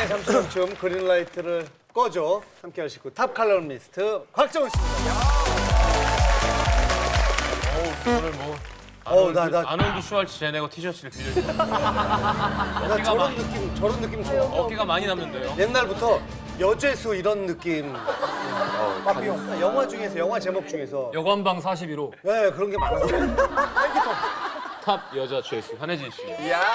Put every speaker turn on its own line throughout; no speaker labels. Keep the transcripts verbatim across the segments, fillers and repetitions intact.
잠시만쯤 그린라이트를 꺼줘. 함께 할 식구 탑 칼럼니스트 곽정은 씨입니다.
오늘 뭐
어우, 나, 나,
아놀드 슈왈츠제네거 티셔츠를 빌려주고
나 저런 느낌, 저런 느낌 좋아.
어깨가 많이 남는데요.
옛날부터 여죄수 이런 느낌. 마피용. 영화 중에서, 영화 제목 중에서.
여관방 사십일 호.
네, 그런 게 많았어요.
탑 여자 죄수 한혜진 씨.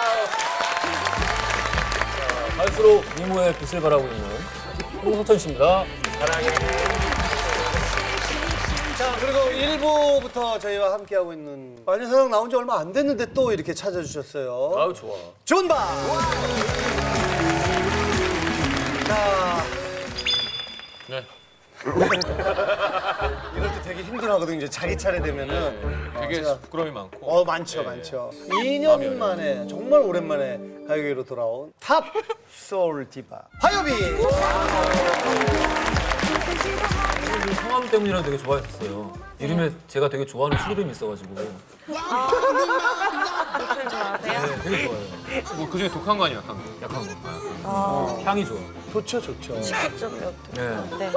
갈수록 미모의 빛을 발하고 있는 홍서천 씨입니다.
자, 그리고 일 부부터 저희와 함께하고 있는 마녀사냥 나온 지 얼마 안 됐는데 또 이렇게 찾아주셨어요.
아유 좋아.
존바! 자,
네.
이럴 때 되게 힘들어하거든요. 이제 자기 차례 되면은.
되게
제가-
부끄러움이 많고.
어, 많죠, 많죠. 이 년 만에, 정말 오랜만에 가요계로 돌아온 탑 소울 디바 화요비!
성함 때문이라 되게 좋아했었어요. 이름에 제가 되게 좋아하는 술 이름이 있어가지고.
무슨 좋아하세요?
네, 되게 좋아해요.
뭐 그중에 독한 거 아니야, 약한 거.
약한 거. 어, 향이 좋아.
좋죠, 좋죠.
좀 몇.
네.
네.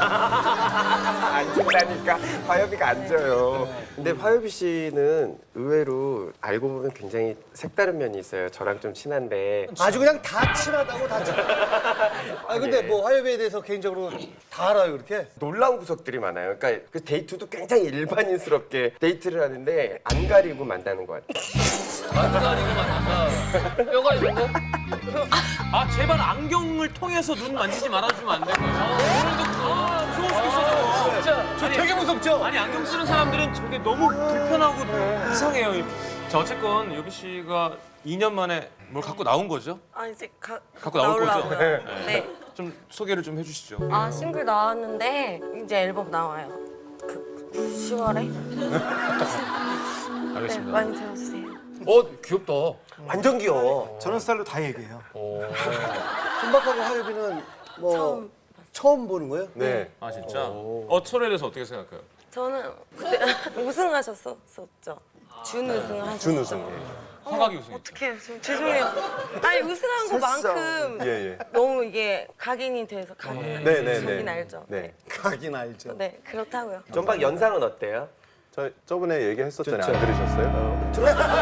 앉는다니까 화요비가 앉아요. 근데 화요비 씨는 의외로 알고 보면 굉장히 색다른 면이 있어요. 저랑 좀 친한데
아주 그냥 다 친하다고 다 친하. 아 근데 뭐 화요비에 대해서 개인적으로 다 알아요, 그렇게?
놀라운 구석들이 많아요. 그러니까 그 데이트도 굉장히 일반인스럽게 데이트를 하는데 안 가리고 만나는 것 같아요.
안 가리고 만난다. 뼈가 있는데? 아 제발 안경을 통해서 눈 만지지 말아주면 안 될까요? 오늘도 아 무서워 죽겠어 저거. 진짜
저 되게 무섭죠?
아니 안경 쓰는 사람들은 저게 너무 불편하고 이상해요. 자 어쨌건 요비 씨가 이 년 만에 뭘 갖고 나온 거죠?
아 이제 가,
갖고 나올 거죠?
나오려고요. 네.
좀 소개를 좀 해주시죠.
아 싱글 나왔는데 이제 앨범 나와요. 그 시월에. 네,
알겠습니다.
많이 들어주세요.
어 귀엽다.
완전 귀여워.
저런 스타일로 다 얘기해요.
어.
존박하고 화요비는 뭐
처음
처음 보는 거예요?
네.
아 진짜? 어 철에 대해서 어떻게 생각해요?
저는 그때 우승하셨었죠. 준 우승하셨죠.
준 우승.
허각이 우승.
어떡해, 좀 죄송해요. 아니 우승한 것만큼
예, 예.
너무 이게 각인이 돼서 각인.
네, 네, 네.
각인 알죠?
네.
가긴 알죠.
네, 그렇다고요.
전박 연상은 어때요?
저 저번에 얘기했었잖아요. 안 들으셨어요?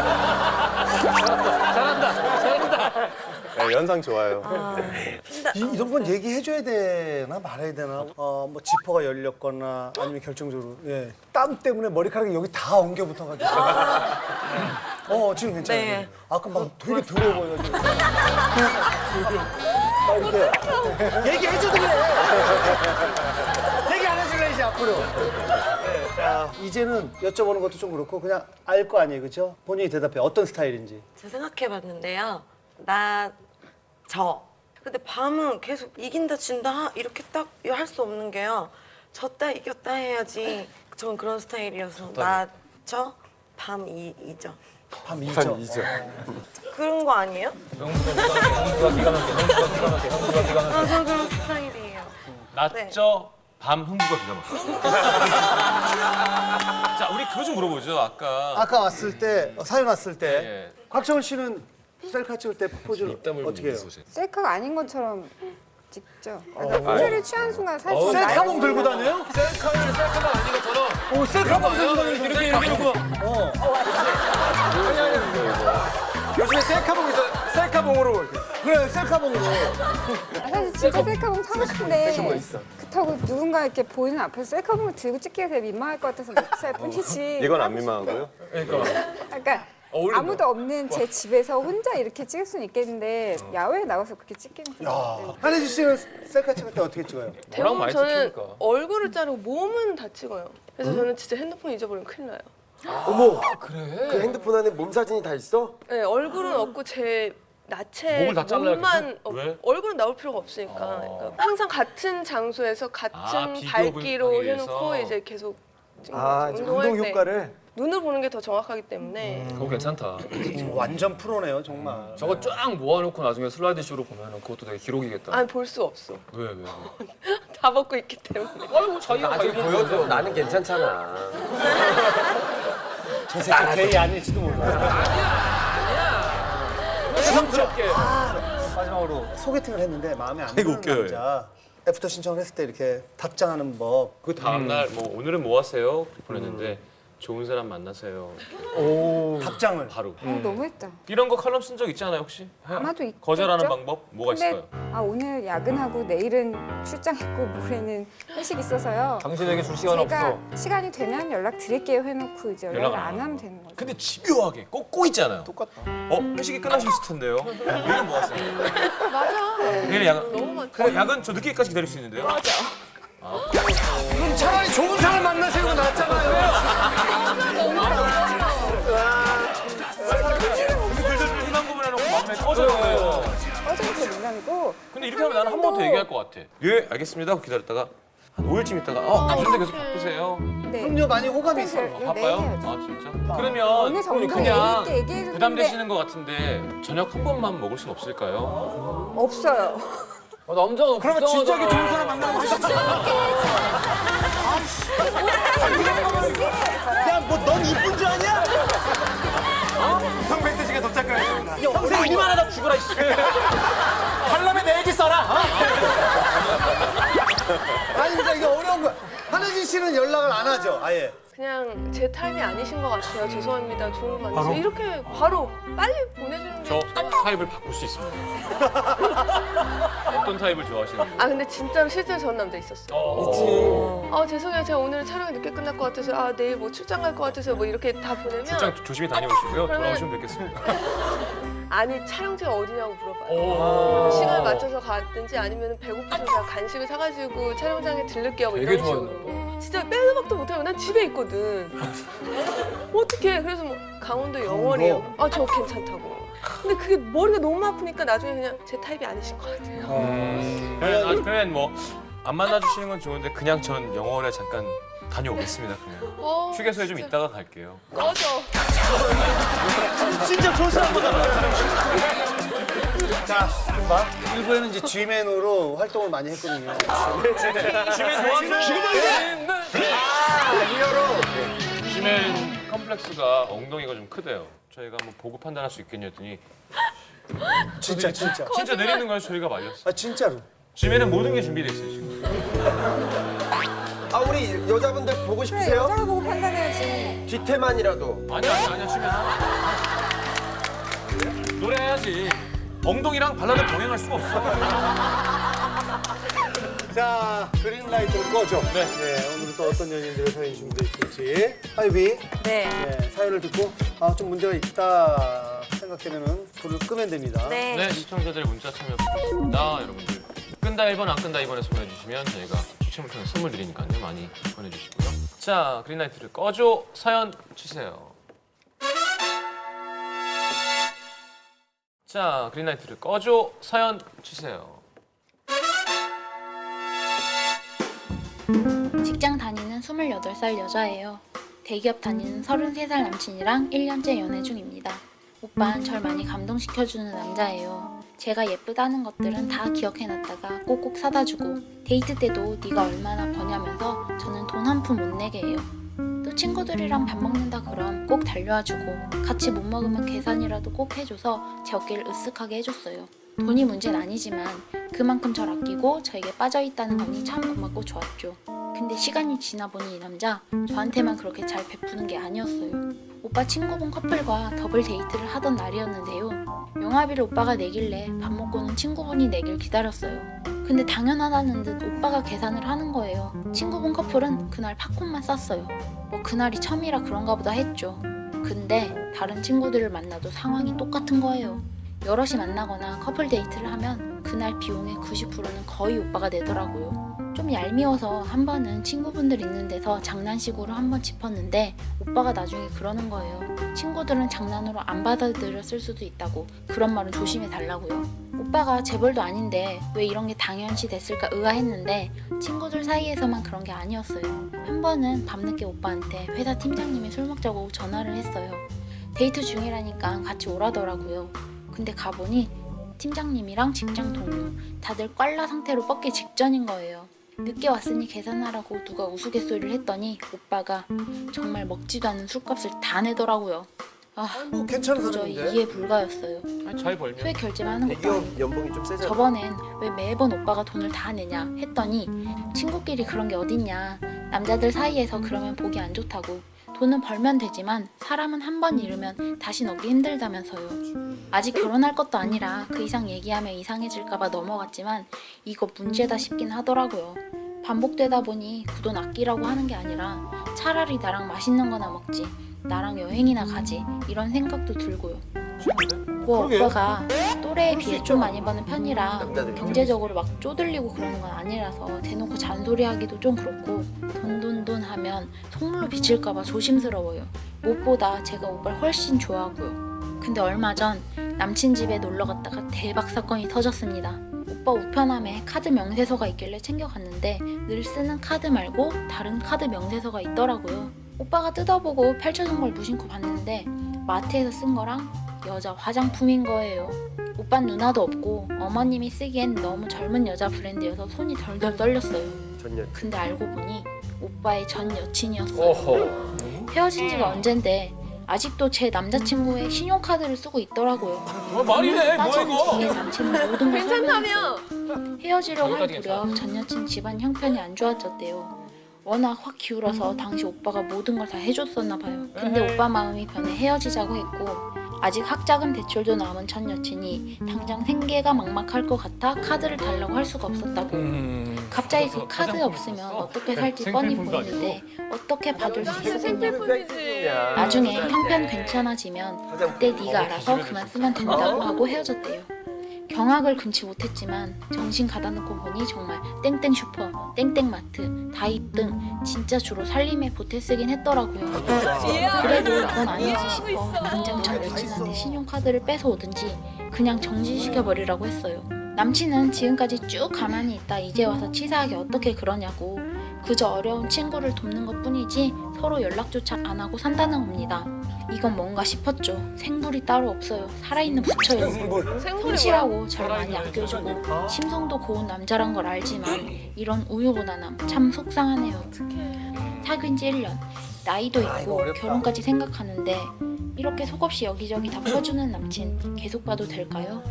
네, 연상 좋아요.
이, 이런 건 얘기해줘야 되나 말아야 되나? 어, 뭐 지퍼가 열렸거나 아니면 결정적으로 예. 땀 때문에 머리카락이 여기 다 엉겨 붙어가지고. 어 지금 괜찮아요.
네.
아까 막 되게 더러워 보여가지고. 막 이렇게 얘기해줘도 그래. 얘기 안 해줄래 이제 앞으로. 네, 자 이제는 여쭤보는 것도 좀 그렇고 그냥 알 거 아니에요, 그렇죠? 본인이 대답해 어떤 스타일인지.
제가 생각해봤는데요. 나, 저. 근데 밤은 계속 이긴다 진다 하- 이렇게 딱 할 수 없는 게요. 졌다 이겼다 해야지. 전 그런 스타일이어서 나, 저, 밤, 이, 이죠.
밤 이죠.
이죠.
그런 거 아니에요?
형수가 기가 막혀. 형수가 기가 막혀. 형수가 기가 막혀.
아, 저 그런 스타일이에요.
낮저 밤 흥부가 기가 막혀. 자 우리 그거 좀 물어보죠. 아까
아까 왔을 때 어, 사연 왔을 때
예.
곽정은 씨는 셀카 찍을 때 포즈를 어떻게 해요?
셀카가 아닌 것처럼 찍죠. 그러니까 포즈를 취한 순간 사실
어, 셀카봉 들고 다녀요?
셀카를 셀카가 아닌 것처럼
오 셀카봉 들고 다녀요.
이렇게 이렇게 놓고
어.
요즘에 셀카봉 있어. 셀카봉으로
그래 셀카봉으로.
사실 진짜 셀카봉 사고 싶은데 그렇다고 누군가 이렇게 보이는 앞에서 셀카봉을 들고 찍기가 되게 민망할 것 같아서 못살 뿐이지.
이건 안 민망하고요.
그러니까
그러니까
어울린다.
아무도 없는 제 집에서 혼자 이렇게 찍을 수는 있겠는데 야외에 나가서 그렇게 찍기는 좀. 네.
한혜지 씨는 셀카 찍을 때 어떻게 찍어요?
뭐랑
대부분
많이
저는
찍히니까.
얼굴을 자르고 몸은 다 찍어요. 그래서 저는 진짜 핸드폰 잊어버리면 큰일 나요.
어머. 그래? 그 핸드폰 안에 몸 사진이 다 있어?
네, 얼굴은 없고 제 나체
목을 다 잘라요,
몸만
그래서?
없-
왜?
얼굴은 나올 필요가 없으니까. 그러니까 항상 같은 장소에서 같은
아, 비교
밝기로
하기
해놓고
위해서.
이제 계속 찍는
아,
거죠.
운동
운동할 때
효과를.
눈을 보는 게 더 정확하기 때문에
그거 괜찮다.
음, 완전 프로네요 정말.
저거 쫙 모아놓고 나중에 슬라이드 쇼로 보면 그것도 되게 기록이겠다.
아니 볼 수 없어.
왜 왜? 왜?
다 벗고 있기 때문에.
아이고 자기가
나중에
자기
보여줘. 나는 괜찮잖아.
저 새끼 게이 아닐지도 몰라.
부담스럽게.
마지막으로 소개팅을 했는데 마음에 안 드는 남자 애프터 신청을 했을 때 이렇게 답장하는 법.
그 다음날 뭐 오늘은 뭐 하세요? 보냈는데 좋은 사람 만나세요.
답장을.
바로.
어, 너무했다.
이런 거 칼럼 쓴 적 있지 않아요 혹시?
아마도 있겠죠?
거절하는 방법 뭐가
근데
있을까요?
아 오늘 야근하고 내일은 출장했고 모레는 회식 있어요.
당신에게 줄 시간
제가
없어.
시간이 되면 연락 드릴게요 해놓고 이제 연락을
연락을
안
안
하면 되는 거죠.
근데 집요하게 꼭 꼭 있잖아요. 똑같다. 어 회식이 끝나셨을 텐데요. 내일은 뭐 하세요?
맞아.
내일 야근.
너무 많.
어, 야근 저 늦게까지 기다릴 수 있는데요. 맞아.
그럼 차라리 좋은 사람 만나세요가 낫잖아요.
글들 희망 고문해놓고 마음에 꺼져요.
어제는 그 농담이고
근데 이렇게 하면 나는 한 번 더 얘기할 것 같아. 예, 알겠습니다. 하고 기다렸다가 한 오 일쯤 있다가 어, 근데 계속 바쁘세요.
네.
그럼요, 많이 호감이 있어.
네,
바빠요?
내일 해야죠.
아, 진짜?
어느
그러면
정도
그냥
얘기 있게 얘기해줬는데
부담되시는 것 같은데 저녁 한 번만 먹을 순 없을까요?
없어요.
아, 남자가
그러면 진작에 좋은 사람 만나면 하셨지. 야, 뭐 넌 이쁜 줄 아냐? 성백세 씨가 도착하였습니다.
평생 우리만 하다 죽어라, 이씨.
parlament 내 얘기 써라. 어? 아니, 진짜 이게 어려운 거야. 한혜진 씨는 연락을 안 하죠, 아예.
그냥 제 타입이 아니신 것 같아요. 죄송합니다. 좋은 거 만나서 이렇게 바로 빨리 보내주는 게
저
좋아.
타입을 바꿀 수 있습니다. 어떤 타입을 좋아하시는 거예요?
아 근데 진짜로 실제로 전 남자 있었어요. 아 죄송해요. 제가 오늘 촬영이 늦게 끝날 것 같아서 아 내일 뭐 출장 갈 것 같아서 뭐 이렇게 다 보내면
출장 조심히 다녀오시고요.
그러면-
돌아오시면 뵙겠습니다.
아니 촬영지가 어디냐고 물어봐요. 시간을 맞춰서 갔든지 아니면 배고프면 제가 간식을 사가지고 촬영장에 들를게요. 뭐
되게
이런
좋아했나
식으로. 진짜 빼도 박도 못하고 난 집에 있거든. 어떡해. 그래서 뭐 강원도 영월이에요. 아 저 괜찮다고. 근데 그게 머리가 너무 아프니까 나중에 그냥 제 타입이 아니신 것 같아요.
그러면, 아, 그러면 뭐 안 만나주시는 건 좋은데 그냥 전 영월에 잠깐 다녀오겠습니다. 그냥
어,
휴게소에 좀 있다가 갈게요.
꺼져.
진짜 좋은 사람 만나면 자, 금방 일부에는 이제 G맨으로 활동을 많이 했거든요.
지멘 좋아하세요? 지멘
리얼로.
지멘 컴플렉스가 엉덩이가 좀 크대요. 저희가 한번 보고 판단할 수 있겠냐 했더니
진짜, 진짜.
진짜 내리는 거예요. 저희가 말렸어요.
아, 진짜로.
지멘은 모든 게 준비돼 있어요 지금.
아 우리 여자분들 보고
그래
싶으세요?
여자를 보고 판단해야지.
뒤태만이라도.
아니야 아니야 아니야 지멘. 노래해야지. 엉덩이랑 발라드 병행할 수가 없어.
자, 그린라이트를 꺼줘.
네.
네, 오늘 또 어떤 연인들의 사연이 준비되어 있을지. 하이비,
네.
네, 사연을 듣고 아, 좀 문제가 있다 생각되면은 불을 끄면 됩니다.
네.
네 시청자들의 문자 참여 부탁드립니다. 여러분들 끈다 일 번 안 끈다 이 번에서 보내주시면 저희가 추첨을 통해 선물 드리니까요. 많이 보내주시고요. 자 그린라이트를 꺼줘 사연 주세요. 자 그린라이트를 꺼줘 사연 주세요.
직장 다니는 스물여덟 살 여자예요. 대기업 다니는 서른세 살 남친이랑 일 년째 연애 중입니다. 오빠는 절 많이 감동시켜주는 남자예요. 제가 예쁘다는 것들은 다 기억해놨다가 꼭꼭 사다 주고 데이트 때도 네가 얼마나 버냐면서 저는 돈 한 푼 못 내게 해요. 또 친구들이랑 밥 먹는다 그럼 꼭 달려와 주고 같이 못 먹으면 계산이라도 꼭 해줘서 제 어깨를 으쓱하게 해줬어요. 돈이 문제는 아니지만 그만큼 절 아끼고 저에게 빠져있다는 거니 참 고맙고 좋았죠. 근데 시간이 지나 보니 이 남자 저한테만 그렇게 잘 베푸는 게 아니었어요. 오빠 친구분 커플과 더블 데이트를 하던 날이었는데요. 영화비를 오빠가 내길래 밥 먹고는 친구분이 내길 기다렸어요. 근데 당연하다는 듯 오빠가 계산을 하는 거예요. 친구분 커플은 그날 팝콘만 쌌어요. 뭐 그날이 처음이라 그런가 보다 했죠. 근데 다른 친구들을 만나도 상황이 똑같은 거예요. 여럿이 만나거나 커플 데이트를 하면 그날 비용의 구십 퍼센트는 거의 오빠가 내더라고요. 좀 얄미워서 한 번은 친구분들 있는 데서 장난식으로 한번 짚었는데 오빠가 나중에 그러는 거예요. 친구들은 장난으로 안 받아들였을 수도 있다고 그런 말은 조심해 달라고요. 오빠가 재벌도 아닌데 왜 이런 게 당연시 됐을까 의아했는데 친구들 사이에서만 그런 게 아니었어요. 한 번은 밤늦게 오빠한테 회사 팀장님이 술 먹자고 전화를 했어요. 데이트 중이라니까 같이 오라더라고요. 근데 가보니 팀장님이랑 직장 동료 다들 꽐라 상태로 뻗기 직전인 거예요. 늦게 왔으니 계산하라고 누가 우스갯소리를 했더니 오빠가 정말 먹지도 않은 술값을 다 내더라고요. 아,
뭐 괜찮은
도저히
사람인데.
이해 불가였어요.
아니, 잘 벌면.
소액 결제만 하는 것도
대기업
아니고
연봉이 좀 세잖아.
저번엔 왜 매번 오빠가 돈을 다 내냐 했더니 친구끼리 그런 게 어딨냐, 남자들 사이에서 그러면 보기 안 좋다고, 돈은 벌면 되지만 사람은 한 번 잃으면 다시 얻기 힘들다면서요. 아직 결혼할 것도 아니라 그 이상 얘기하면 이상해질까봐 넘어갔지만 이거 문제다 싶긴 하더라고요. 반복되다 보니 그 돈 아끼라고 하는 게 아니라 차라리 나랑 맛있는 거나 먹지, 나랑 여행이나 가지, 이런 생각도 들고요. 뭐
그러게.
오빠가 또래에
그럴 수
비해
있잖아.
좀 많이 버는 편이라
남자들이
경제적으로 막 쪼들리고 그러는 건 아니라서 대놓고 잔소리하기도 좀 그렇고, 돈 돈 돈 하면 속물로 비칠까봐 조심스러워요. 무엇보다 제가 오빠를 훨씬 좋아하고요. 근데 얼마 전 남친 집에 놀러 갔다가 대박 사건이 터졌습니다. 오빠 우편함에 카드 명세서가 있길래 챙겨갔는데 늘 쓰는 카드 말고 다른 카드 명세서가 있더라고요. 오빠가 뜯어보고 펼쳐진 걸 무심코 봤는데 마트에서 쓴 거랑 여자 화장품인 거예요. 오빤 누나도 없고 어머님이 쓰기엔 너무 젊은 여자 브랜드여서 손이 덜덜 떨렸어요.
전년.
근데 알고 보니 오빠의 전 여친이었어요.
어허.
헤어진 지가 언젠데 아직도 제 남자친구의 신용카드를 쓰고 있더라고요.
어, 말이네. 뭐야,
따지고
이거?
뒤에 남친은 모든 걸
괜찮다며?
설명했어요. 헤어지려고 할
여기까지
무렵 전 여친 집안 형편이 안 좋아졌대요. 워낙 확 기울어서 당시 오빠가 모든 걸 다 해줬었나 봐요. 근데 오빠 마음이 변해 헤어지자고 했고, 아직 학자금 대출도 남은 전 여친이 당장 생계가 막막할 것 같아 카드를 달라고 할 수가 없었다고.
음.
갑자기 그 카드 없으면 어떻게 살지 뻔히
생필품도
보이는데 어떻게 받을 수
당신
있었겠냐고.
생필품이지.
나중에 형편 괜찮아지면 그때 네가 알아서 그만 쓰면 된다고 하고 헤어졌대요. 경악을 금치 못했지만 정신 가다놓고 보니 정말 땡땡 슈퍼, 땡땡 마트, 다입 등 진짜 주로 살림에 보태 쓰긴 했더라고요. 그래도 이건 아니지 싶어 당장 전 여친한테 신용카드를 뺏어 오든지 그냥 정지시켜버리라고 했어요. 남친은 지금까지 쭉 가만히 있다 이제 와서 치사하게 어떻게 그러냐고, 그저 어려운 친구를 돕는 것뿐이지 서로 연락조차 안 하고 산다는 겁니다. 이건 뭔가 싶었죠. 생불이 따로 없어요. 살아있는 부처예요.
생물이 뭐야?
성실하고 저를 많이 아껴주고 심성도 고운 남자란 걸 알지만 이런 우유부단함 참 속상하네요. 사귄 지 일 년, 나이도
아, 이거
있고
어렵다.
결혼까지 생각하는데 이렇게 속없이 여기저기 다 퍼주는 남친 계속 봐도 될까요?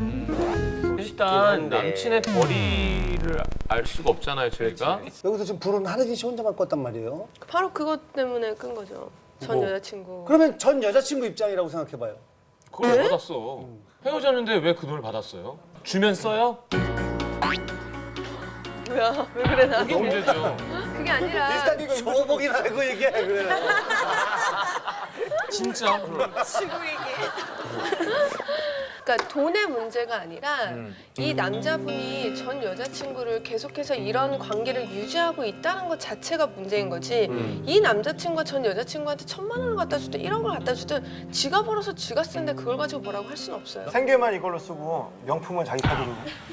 일단
한데.
남친의 벌이를 알 수가 없잖아요, 저희가.
여기서 지금 불은 하나진 씨 혼자만 껐단 말이에요.
바로 그것 때문에 끈 거죠. 전
뭐?
여자친구.
그러면 전 여자친구 입장이라고 생각해봐요.
그걸 왜 받았어? 헤어졌는데 왜 그 돈을 받았어요? 주면 써요?
뭐야? 왜 그래 나?
그게 문제죠.
그게 아니라
일단 이거 소복이나 알고 얘기해 그래.
진짜.
그러니까 돈의 문제가 아니라
음.
이 남자분이 전 여자친구를 계속해서 이런 관계를 유지하고 있다는 것 자체가 문제인 거지.
음.
이 남자친구가 전 여자친구한테 천만 원을 갖다 주든 일억을 갖다 주든 지가 벌어서 지가 쓰는데 그걸 가지고 뭐라고 할 수는 없어요.
생계만 이걸로 쓰고 명품은 자기 카드로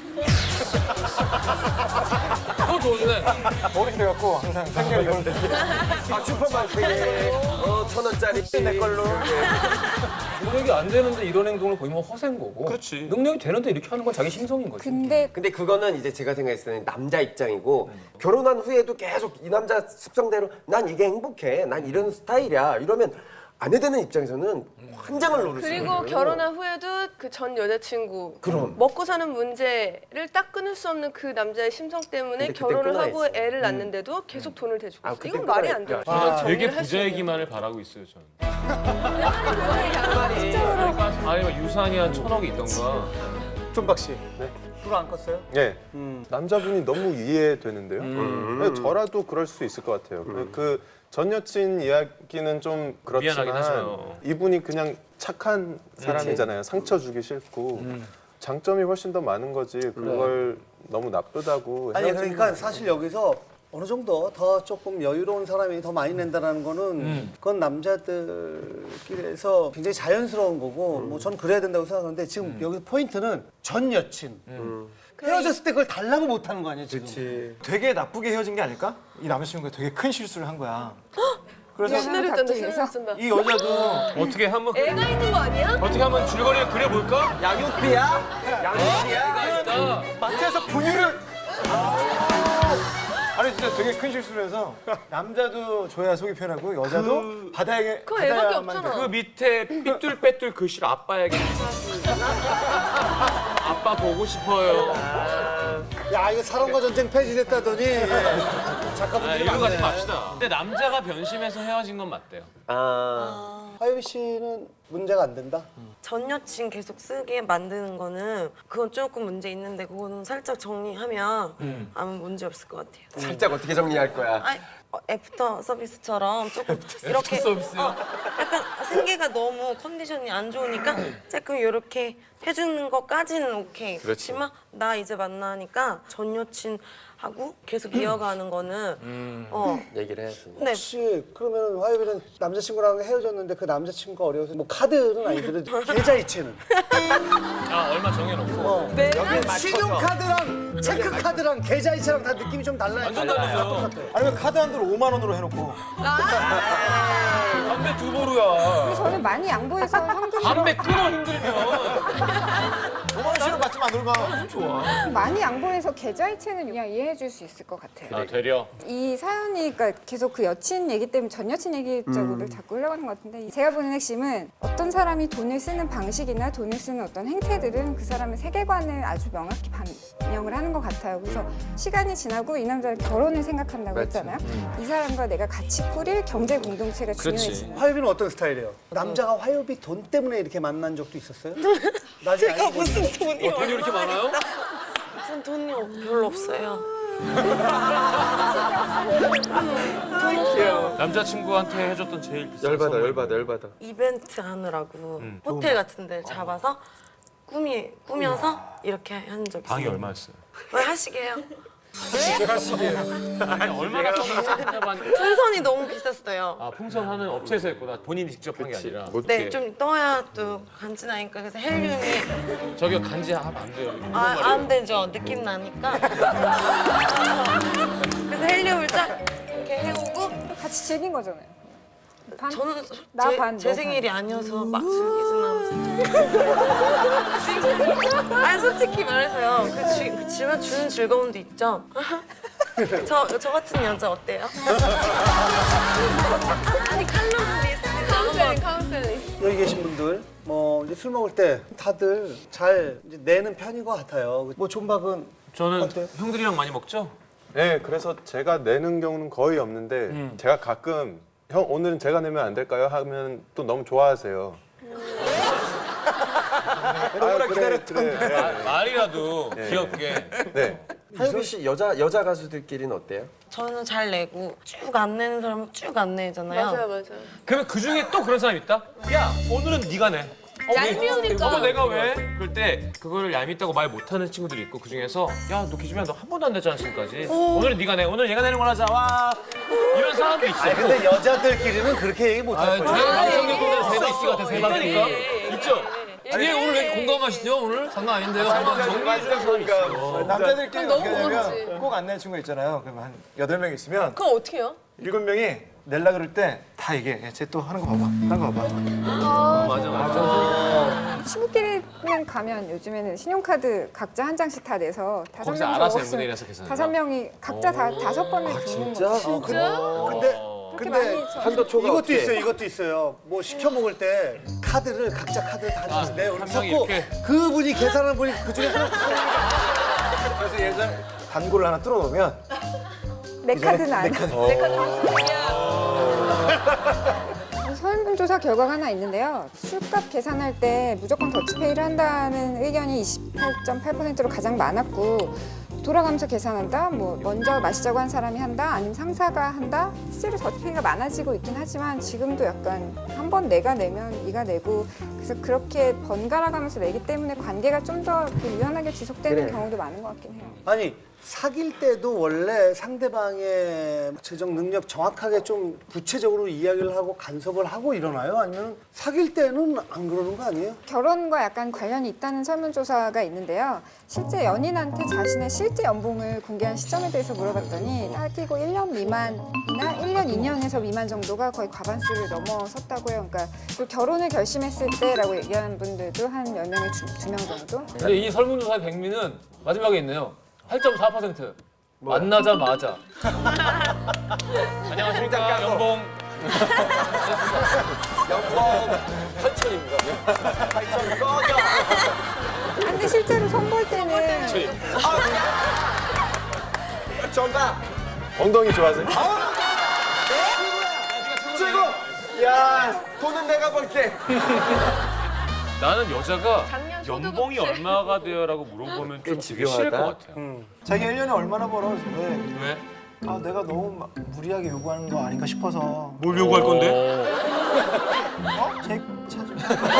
그거 좋은데.
버릇이 돼갖고 항상 생계 이걸로
아 슈퍼마켓에 어, 천 원짜리 내 걸로.
능력이 안 되는데 이런 행동을 보이면 허세인 거고.
그렇지.
능력이 되는데 이렇게 하는 건 자기 심성인 거지.
근데
근데 그거는 이제 제가 생각했을 때는 남자 입장이고 결혼한 후에도 계속 이 남자 습성대로 난 이게 행복해, 난 이런 스타일이야 이러면 아내되는 입장에서는 환장을 노릴 수 있는
그리고
거예요.
결혼한 후에도 그 전 여자친구
그럼.
먹고 사는 문제를 딱 끊을 수 없는 그 남자의 심성 때문에
근데 그때
결혼을 하고
끊어야지.
애를 낳는데도 계속 돈을 대주고
아,
있어.
그때
이건 말이 안
끊어야지.
돼요.
저는
아,
되게
정리를 할수 있는.
부자이기만을 바라고 있어요, 저는. 아니, 뭐 유산이 한 천억이 있던가.
존박 씨. 불안 껐어요?
네.
음.
남자분이 너무 이해되는데요.
음.
네, 저라도 그럴 수 있을 것 같아요. 그 전 여친 이야기는 좀
미안하긴
그렇지만
하죠.
이분이 그냥 착한 사람이잖아요. 상처 주기 싫고 장점이 훨씬 더 많은 거지. 그걸 너무 나쁘다고.
아니
헤어지는
그러니까
건
사실 여기서 어느 정도 더 조금 여유로운 사람이 더 많이 낸다는 거는 그건 남자들끼리에서 굉장히 자연스러운 거고 뭐 전 그래야 된다고 생각하는데 지금 여기 포인트는 전 여친 헤어졌을 때 그걸 달라고 못 하는 거 아니에요 지금?
그렇지.
되게 나쁘게 헤어진 게 아닐까? 이 남자친구가 되게 큰 실수를 한 거야. 그래서
시나리오 짠다,
갑자기
시나리오 짠다.
이 여자도
어떻게 한번
애가 있는 거 아니야?
어떻게 한번 줄거리를 그려볼까?
양육비야? 양육비야?
있다.
마트에서 분유를 아니 진짜 되게 큰 실수를 해서 남자도 줘야 속이 편하고 여자도 받아야
그거 애밖에
받아야만
없잖아.
그 밑에 삐뚤빼뚤 글씨를 아빠에게 아빠 보고 싶어요.
야 이거 사랑과 전쟁 폐지됐다더니 예.
아,
작가분들이
이런 거 하지
많네.
맙시다. 근데 남자가 변심해서 헤어진 건 맞대요.
아,
하유미 씨는 문제가 안 된다?
전 여친 계속 쓰게 만드는 거는 그건 조금 문제 있는데 그거는 살짝 정리하면 아무 문제 없을 것 같아요.
살짝 어떻게 정리할 거야?
아니, 어, 애프터 서비스처럼 조금 이렇게
서비스요?
어, 약간 생계가 너무 컨디션이 안 좋으니까 조금 이렇게 해주는 것까지는 오케이. 그렇지만 나 이제 만나니까 전 여친하고 계속 이어가는 거는 어
얘기를 해야지.
네.
혹시 그러면 하유미는 남자친구랑 헤어졌는데 그 남자친구가 어려워서 뭐 카드는 아니더라도 계좌이체는?
아 얼마 정해놓고.
어.
네.
신용카드랑 체크카드랑 계좌이체랑 다 느낌이 좀 달라요.
완전 달라요.
아니면 카드 한도를 오만 원으로 해놓고
담배 두 보루야.
근데 저는 많이 양보해서 현금
담배 끊어 힘들면.
오만 원씩은 받지만 안 돌가.
많이 양보해서 계좌이체는 그냥 이해해 줄 수 있을 것 같아요.
아 되려.
이 사연이 그러니까 계속 그 여친 얘기 때문에 전 여친 얘기 쪽으로 자꾸 흘러가는 것 같은데 제가 보는 핵심은 어떤 사람이 돈을 쓰는 방식이나 돈을 쓰는 어떤 행태들은 그 사람의 세계관을 아주 명확히 반영을 하는 것 같아요. 그래서 시간이 지나고 이 남자는 결혼을 생각한다고 했잖아요. 이 사람과 내가 같이 꾸릴 경제 공동체가 중요해지는.
화요비는 어떤 스타일이에요? 남자가 화요비 돈 때문에 이렇게 만난 적도 있었어요? 나중에
제가
알고 보니.
무슨 돈이
돈이 이렇게 많아요?
무슨 돈이 없- 별로 없어요.
남자친구한테 해줬던 제일 비싼
열받아,
선물.
열받아, 열받아.
이벤트 하느라고 호텔 같은 데 잡아서 꾸미 꾸며서 이렇게 한 적 있어요.
방이 얼마였어요?
왜 하시게요?
아니 얼마나 썼냐고
풍선이 너무 비쌌어요.
아 풍선 하는 업체에서 했구나. 본인이 직접 한 게 아니라.
네, 좀 떠야 또 간지나니까 그래서 헬륨이
저기 간지 하면 안 돼요. 이거
아,
말이에요.
안 되죠. 느낌 나니까. 그래서 헬륨을 쫙 이렇게 해오고
같이 즐긴 거잖아요. 반?
저는
나
제,
반,
제
너
생일이 아니어서 막 즐기진 않았어요. 아니 솔직히 말해서요. 그, 지, 그 지만 주는 즐거움도 있죠. 저, 저 같은 여자 어때요? 아니 칼럼도 있습니다.
카운셀링 카운셀링.
여기 계신 분들 뭐 이제 술 먹을 때 다들 잘 이제 내는 편인 것 같아요. 뭐 존박은
저는
어때요?
형들이랑 많이 먹죠?
네, 그래서 제가 내는 경우는 거의 없는데 제가 가끔 형 오늘은 제가 내면 안 될까요? 하면 또 너무 좋아하세요.
너무나
그래,
기다렸던
그래.
아, 말이라도 귀엽게.
네.
하유미 씨 여자 여자 가수들끼리는 어때요?
저는 잘 내고 쭉 안 내는 사람은 쭉 안 내잖아요.
맞아요, 맞아요.
그러면 그 중에 또 그런 사람 있다? 야 오늘은 네가 내. 어, 왜?
얄미우니까.
어, 내가 왜? 그럴 때 그거를 얄밉다고 말 못하는 친구들이 있고 그 중에서 야 너 기준이야 너 한 번도 안 냈잖아 지금까지. 오늘은 네가 내. 오늘 얘가 내는 걸 하자. 와 이런 사람도 있어.
아니 근데 여자들끼리는 그렇게 얘기 못 할
아,
거예요.
저희 방송국 분들 세대 씨가 대세
있다니까? 있죠?
이게 오늘 왜 공감하시죠? 오늘 장난 아닌데요? 한번 정리해 주는 사람이 있어요.
남자들끼리
너무
어떻게 하냐면
고맙지.
꼭 안 내는 친구 있잖아요. 그러면 한 여덟 명 있으면
그럼 어떻게 해요?
일곱 명이 낼라 그럴 때 다 얘기해. 쟤 또 하는 거 봐봐. 하는 거 봐봐.
맞아 맞아.
친구끼리 그냥 가면 요즘에는 신용카드 각자 한 장씩 다 내서 다섯
거기서
명이서
알아서
먹었으면
엠분의 일에서 계산해요?
다섯 명이 각자 다 다섯 번을 붓는 거죠.
진짜?
근데
그렇게
근데
많이 저-
한도 초과
이것도
없게.
있어요. 이것도 있어요. 뭐 시켜 먹을 때 카드를 각자 카드를 다
아,
내요.
한 명이
섞고
이렇게?
그분이 계산하는 분이 그 중에 하나
그래서 예전 단골을 하나 뚫어놓으면
내 카드는 안. 설문조사 결과가 하나 있는데요. 술값 계산할 때 무조건 더치페이를 한다는 의견이 이십팔 점 팔 퍼센트로 가장 많았고 돌아가면서 계산한다, 뭐 먼저 마시자고 한 사람이 한다, 아니면 상사가 한다. 실제로 더치페이가 많아지고 있긴 하지만 지금도 약간 한 번 내가 내면 네가 내고 그래서 그렇게 번갈아가면서 내기 때문에 관계가 좀 더 유연하게 지속되는
그래.
경우도 많은 것 같긴 해요.
아니 사귈 때도 원래 상대방의 재정 능력 정확하게 좀 구체적으로 이야기를 하고 간섭을 하고 일어나요? 아니면 사귈 때는 안 그러는 거 아니에요?
결혼과 약간 관련이 있다는 설문조사가 있는데요. 실제 연인한테 자신의 실제 연봉을 공개한 시점에 대해서 물어봤더니 사귀고 일 년 미만이나 일 년, 이 년에서 미만 정도가 거의 과반수를 넘어섰다고 해요. 그러니까 그리고 결혼을 결심했을 때라고 얘기하는 분들도 한 열 명에 두 명 정도.
근데 이 설문조사의 백미는 마지막에 있네요. 팔 점 사 퍼센트. 만나자마자
안녕하십니까 연봉
연봉
팔천입니다.
팔천 꺼져.
근데 실제로 선볼 때는
정답.
엉덩이 좋아하세요?
최고. 야, 돈은 내가 벌게.
나는 여자가
작년 소득
연봉이
없지.
얼마가 돼요라고 물어보면 좀 되게
집요하다.
싫을 것 같아요.
자기 일 년에 얼마나 벌어? 그래서 왜?
왜?
아 내가 너무 막 무리하게 요구하는 거 아닌가 싶어서.
뭘 요구할 건데?
어? 제 차좀.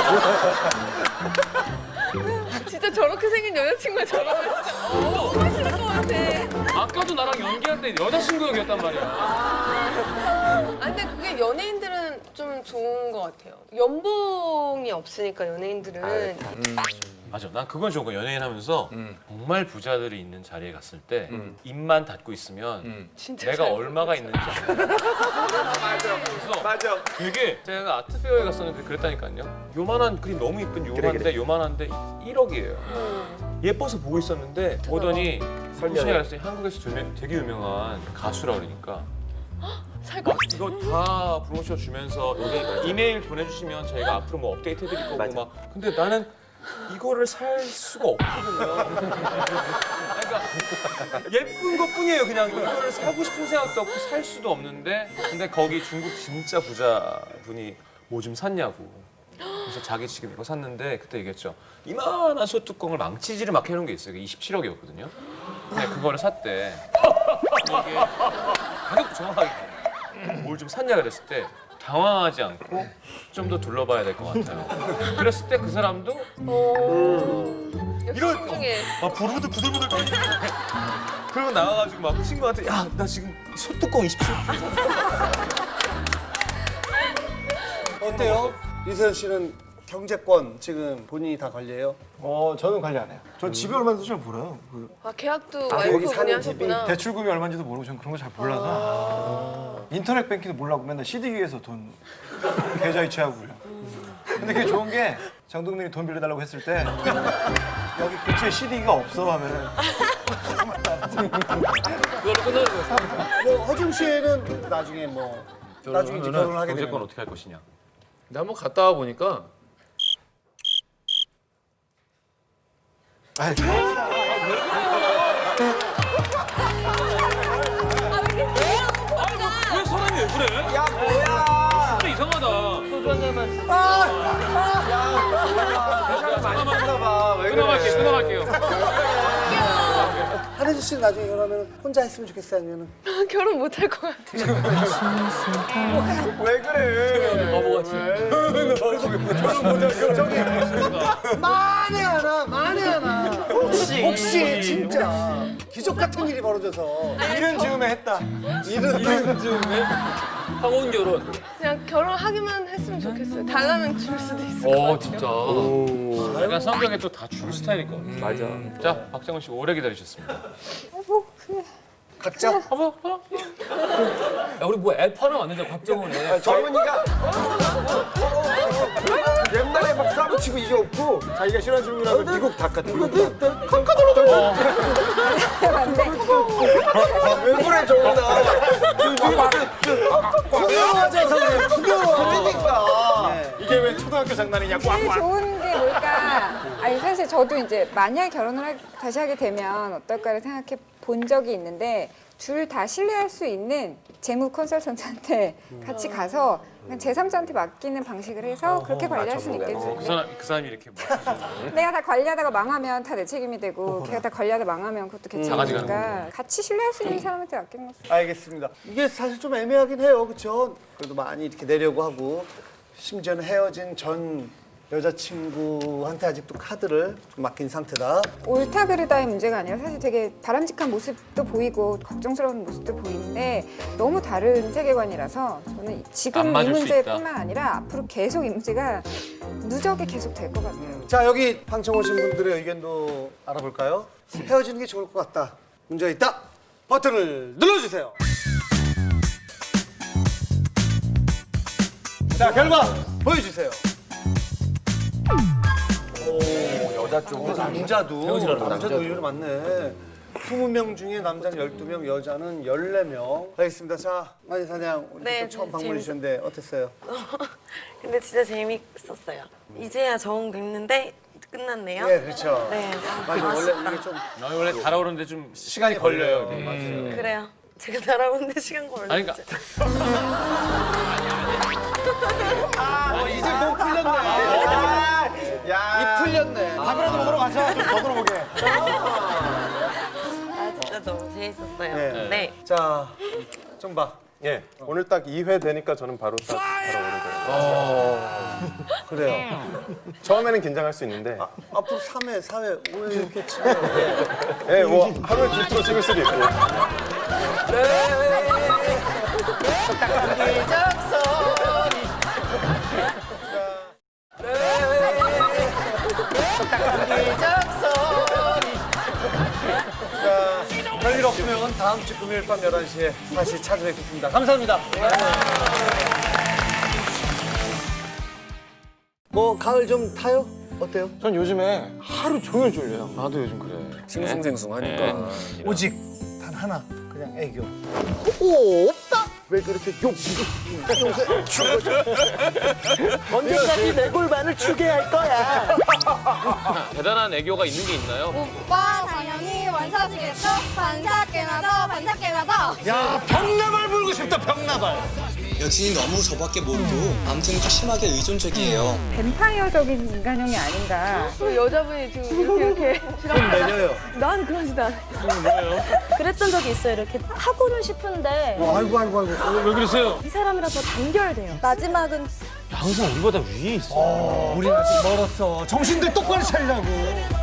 진짜 저렇게 생긴 여자친구가 저러면 진짜 너무 싫을 것 같아.
아까도 나랑 연기할 때 여자친구 역이었단 말이야.
아, 근데 그게 연예인들은 좀 좋은 것 같아요. 연봉이 없으니까 연예인들은
맞아. 난 그건 좋은 거 연예인 하면서
음.
정말 부자들이 있는 자리에 갔을 때 입만 닫고 있으면
음.
진짜
내가
잘
얼마가 있는지 알아. 그래서
맞아.
되게 제가 아트페어에 갔었는데 그랬다니까요. 요만한 그림 너무 이쁜 요만한데
그래.
요만한데 일억이에요.
음.
예뻐서 보고 있었는데 보더니
설명해.
설명에 갔더니 한국에서 되게, 되게 유명한 가수라 그러니까
살 것
막 이거 다 프로모션 주면서 여기 이메일 보내주시면 저희가 앞으로 뭐 업데이트 해드릴 거고
맞아.
막 근데 나는 이거를 살 수가 없거든요. 그러니까 예쁜 것뿐이에요. 그냥 이거를 사고 싶은 생각도 없고 살 수도 없는데 근데 거기 중국 진짜 부자 분이 뭐 좀 샀냐고. 그래서 자기 지금 이거 샀는데 그때 얘기했죠. 이만한 소뚜껑을 망치질을 막 해놓은 게 있어요. 그게 이십칠억이었거든요. 근데 그거를 샀대. 이게 가격도 정확하게 뭘 좀 샀냐 그랬을 때 당황하지 않고 좀 더 둘러봐야 될 것 같아요. 그랬을 때 그 사람도
역시
이런-
신중해.
막 부르부들 부들부들 떨리는 거야. 그러고 나와가지고 막 친구한테 야 나 지금 소뚜껑 이십칠
어때요? 이세현 씨는 경제권 지금 본인이 다 관리해요?
어 저는 관리 안 해요. 전 집이 얼마인지도 잘 몰라요. 그
아 계약도
아, 여기
와이프분이
사는 집이
하셨구나.
대출금이 얼마인지도 모르고 전 그런 거 잘 몰라서 인터넷 뱅킹도 몰라고 맨날 씨디기에서 돈 계좌 이체하고 그래요. 근데 그게 좋은 게 정동민이 돈 빌려달라고 했을 때 여기 근처에 씨디기가 없어 하면은
그걸로 끝나는 거예요.
뭐 허중 씨는 나중에 뭐 나중에 이제 결혼을 하게
경제권
되면
어떻게 할 것이냐.
근데 한번 갔다 와 보니까
아이,
왜 사람이 왜 그래?
야, 뭐야?
진짜 이상하다. 소주 한 잔만.
많이 했나 봐. 왜
끊어갈게요. 끊어갈게요.
한혜주 씨는 나중에 결혼하면 혼자 했으면 좋겠어요? 아니면은
결혼 못 할 것 같아.
왜 그래?
바보같이.
만에 하나 만에 하나 혹시 혹시 진짜 기적 같은 일이 벌어져서
이른 즈음에 했다.
이런
이런 즈음에 황혼 결혼.
그냥 결혼하기만 했으면 좋겠어요. 달라면 줄 수도 있을 것
어
같아요.
진짜.
약간 성격이 또 다 줄 스타일일 것 같아요.
맞아.
자, 박정훈 씨 오래 기다리셨습니다.
각자
어머, 어머.
야 우리 뭐 앱 하나 왔는데 박정훈에.
젊은이가 옛날에 막 싸움치고 이게 없고
자기가 싫어하는 질문이라면 미국 닭 같은 거.
왜 그래 정훈아?
부끄러워져서 그래 부끄러워
그러니까.
이게 왜 초등학교 장난이냐?
제일 좋은 게 뭘까? 아니 사실 저도 이제 만약 결혼을 하- 다시 하게 되면 어떨까를 생각해 본 적이 있는데 둘 다 신뢰할 수 있는 재무 컨설턴트한테 같이 가서 그냥 제삼자한테 맡기는 방식을 해서 그렇게 관리할 수는 있겠지.
그 사람 그 사람이 이렇게 막
내가 다 관리하다가 망하면 다 내 책임이 되고 걔가 다 관리하다 망하면 그것도 걔
강아지가
책임이니까 같이 신뢰할 수 있는 사람한테 맡기는 거죠.
알겠습니다. 이게 사실 좀 애매하긴 해요, 그렇죠? 그래도 많이 이렇게 내려고 하고 심지어는 헤어진 전 여자친구한테 아직도 카드를 좀 맡긴 상태다.
옳다 그르다의 문제가 아니라 사실 되게 바람직한 모습도 보이고 걱정스러운 모습도 보이는데 너무 다른 세계관이라서 저는 지금
안
이
맞을 수
문제뿐만 아니라 앞으로 계속 이 문제가 누적이 계속 될 것 같아요.
자, 여기 방청 오신 분들의 의견도 알아볼까요? 헤어지는 게 좋을 것 같다. 문제가 있다. 버튼을 눌러주세요. 자, 결과 보여주세요.
여자 쪽은
남자도
헤어지라는
남자도 의견이 많네. 스무 명 중에 남자는 열두 명, 여자는 열네 명. 알겠습니다. 자, 마지 사냥 오늘
네,
또 처음
네,
방문해 주셨는데 어땠어요?
근데 진짜 재밌었어요. 이제야 적응됐는데 끝났네요.
네, 그렇죠.
네.
맞아, 원래
아쉽다.
이게 좀
아, 원래 달아오르는데 좀 시간이 걸려요.
네, 맞아요.
그래요. 제가 날아오는데 시간 걸렸죠.
아니, 그러니까
아, 이제 목 풀렸네. 야, 이 풀렸네.
밥이라도 먹으러 가자. 좀 더 들어보게.
아 진짜 너무 재밌었어요.
네.
네.
자, 좀 봐.
예, 오늘 딱 이 회 되니까 저는 바로 딱 달아오르더라고요.
그래요.
처음에는 긴장할 수 있는데,
아, 앞으로 삼 회, 사 회, 오 회 이렇게 치면
예, 뭐 하루에 두 프로 찍을 수도 있고.
자, 별일 없으면 다음 주 금요일 밤 열한 시에 다시 찾아뵙겠습니다. 감사합니다. 뭐 가을 좀 타요? 어때요?
전 요즘에 하루 종일 졸려요. 나도 요즘 그래.
싱숭생숭하니까.
오직 단 하나, 그냥 애교. 오, 없다. 왜 그렇게 욕, 욕, 요새 죽어. 언제까지 내 골반을 추게 할 거야?
대단한 애교가 있는 게 있나요?
오빠 당연히 원샷이겠죠? 반샷게나죠? 반샷게나죠?
야, 병나발 불고 싶다, 병나발.
여친이 너무 저밖에 모르고 아무튼 좀 심하게 의존적이에요.
뱀파이어적인 인간형이 아닌가.
그 여자분이 지금 이렇게 이렇게
좀 내려요.
난 그러지도 않아.
그랬던 적이 있어요. 이렇게 하고는 싶은데
어, 아이고, 아이고, 아이고.
왜 그러세요?
이 사람이랑 더 단결돼요. 마지막은
항상 우리보다 위에 있어.
우리 아직 멀었어. 정신들 똑바로 차리라고.